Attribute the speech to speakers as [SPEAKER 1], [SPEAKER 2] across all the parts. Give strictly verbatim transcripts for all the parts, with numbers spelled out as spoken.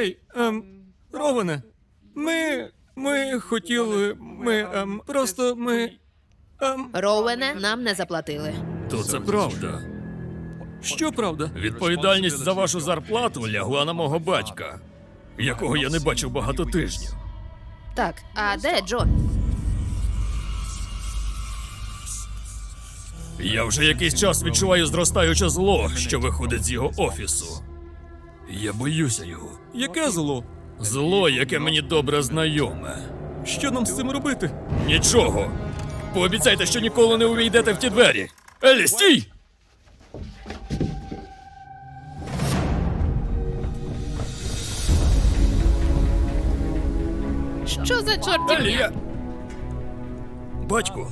[SPEAKER 1] Гей, ем, Роване, ми... ми хотіли... ми, ем, просто ми... ем...
[SPEAKER 2] Роуене, нам не заплатили.
[SPEAKER 3] То це правда.
[SPEAKER 1] Що правда?
[SPEAKER 3] Відповідальність за вашу зарплату лягла на мого батька, якого я не бачив багато тижнів.
[SPEAKER 2] Так, а де Джон?
[SPEAKER 3] Я вже якийсь час відчуваю зростаюче зло, що виходить з його офісу. Я боюся його.
[SPEAKER 1] Яке зло?
[SPEAKER 3] Зло, яке мені добре знайоме.
[SPEAKER 1] Що нам з цим робити?
[SPEAKER 3] Нічого. Пообіцяйте, що ніколи не увійдете в ті двері. Елі, стій!
[SPEAKER 2] Що за
[SPEAKER 3] Елі,
[SPEAKER 2] чортівня?
[SPEAKER 3] я... Батько.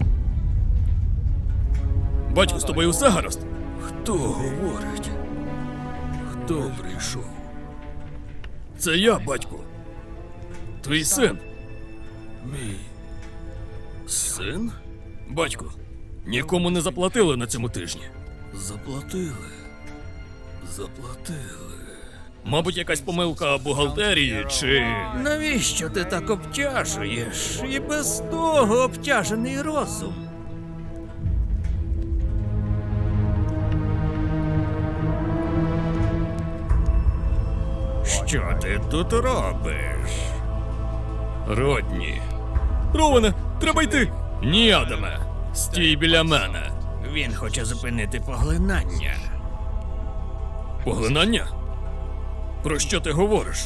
[SPEAKER 3] Батько, з тобою все гаразд? Хто говорить? Хто прийшов? Це я, батько. Твій син. Мій син? Батько, нікому не заплатили на цьому тижні. Заплатили. Заплатили. Мабуть, якась помилка бухгалтерії чи.
[SPEAKER 1] Навіщо ти так обтяжуєш? І без того обтяжений розум.
[SPEAKER 3] Що ти тут робиш? Родні.
[SPEAKER 1] Роване, треба йти!
[SPEAKER 3] Ні, Адаме. Стій біля мене.
[SPEAKER 1] Він хоче зупинити поглинання.
[SPEAKER 3] Поглинання? Про що ти говориш?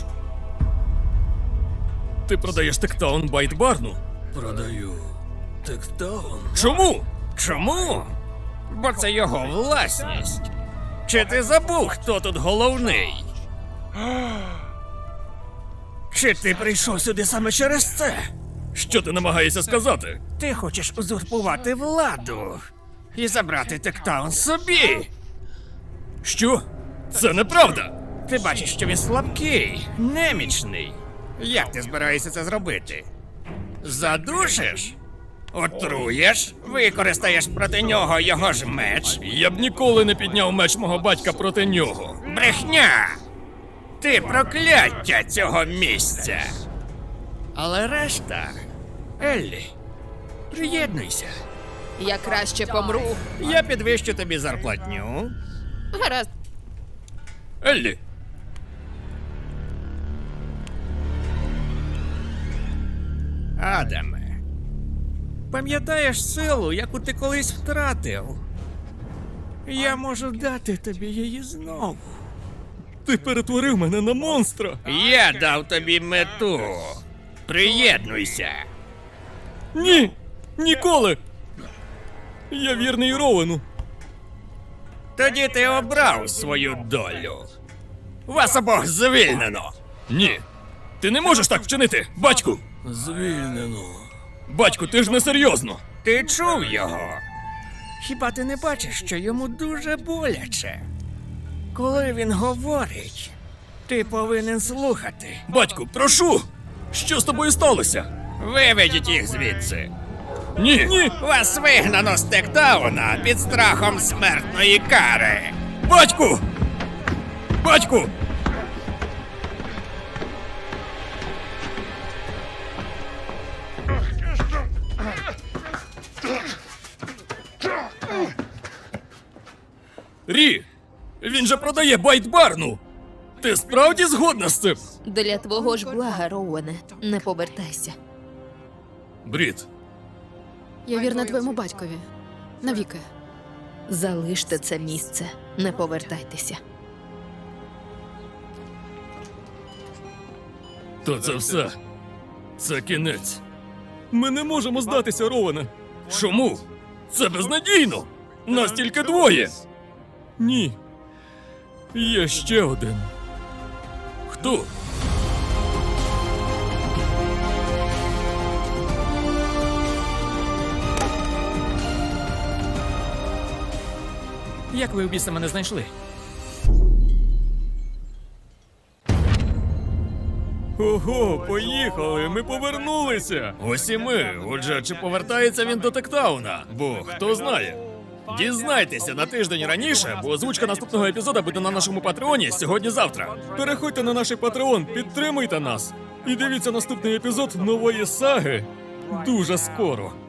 [SPEAKER 3] Ти продаєш Тектаун Байт-Барну? Продаю Тектаун. Чому?
[SPEAKER 1] Чому? Бо це його власність. Чи ти забув, хто тут головний? Чи ти прийшов сюди саме через це?
[SPEAKER 3] Що ти намагаєшся сказати?
[SPEAKER 1] Ти хочеш узурпувати владу і забрати Тектаун собі.
[SPEAKER 3] Що? Це неправда!
[SPEAKER 1] Ти бачиш, що він слабкий, немічний. Як ти збираєшся це зробити? Задушиш? Отруєш? Використаєш проти нього його ж меч?
[SPEAKER 3] Я б ніколи не підняв меч мого батька проти нього.
[SPEAKER 1] Брехня! Ти прокляття цього місця. Але решта... Еллі, приєднуйся.
[SPEAKER 2] Я краще помру.
[SPEAKER 1] Я підвищу тобі зарплатню.
[SPEAKER 2] Гаразд.
[SPEAKER 3] Еллі!
[SPEAKER 1] Адаме, пам'ятаєш силу, яку ти колись втратив? Я можу дати тобі її знову.
[SPEAKER 3] Ти перетворив мене на монстра!
[SPEAKER 1] Я дав тобі мету. Приєднуйся.
[SPEAKER 3] Ні! Ніколи! Я вірний Роуену.
[SPEAKER 1] Тоді ти обрав свою долю. Вас обох звільнено.
[SPEAKER 3] Ні. Ти не можеш так вчинити, батьку! Звільнено. Батьку, ти ж не серйозно.
[SPEAKER 1] Ти чув його? Хіба ти не бачиш, що йому дуже боляче? Коли він говорить, ти повинен слухати.
[SPEAKER 3] Батьку, прошу! Що з тобою сталося?
[SPEAKER 1] Виведіть їх звідси.
[SPEAKER 3] Ні! Ні!
[SPEAKER 1] Вас вигнано з Тектауна під страхом смертної кари.
[SPEAKER 3] Батьку! Батьку! Рі! Він же продає Байт-Барну! Ти справді згодна з цим?
[SPEAKER 2] Для твого ж блага, Роуене, не повертайся.
[SPEAKER 3] Брід,
[SPEAKER 4] Я вірна твоєму батькові. Навіки.
[SPEAKER 2] Залиште це місце, не повертайтеся.
[SPEAKER 3] то це все. Це кінець.
[SPEAKER 1] Ми не можемо здатися, Роване.
[SPEAKER 3] Чому? Це безнадійно! Нас тільки двоє!
[SPEAKER 1] Ні. Є ще один.
[SPEAKER 3] Хто?
[SPEAKER 1] Як ви в біса мене знайшли?
[SPEAKER 3] Ого, поїхали, ми повернулися. Ось і ми. Отже, чи повертається він до Тектауна? Бо хто знає? Дізнайтеся на тиждень раніше, бо озвучка наступного епізоду буде на нашому патреоні сьогодні-завтра. Переходьте на наш патреон, підтримуйте нас. І дивіться наступний епізод нової саги дуже скоро.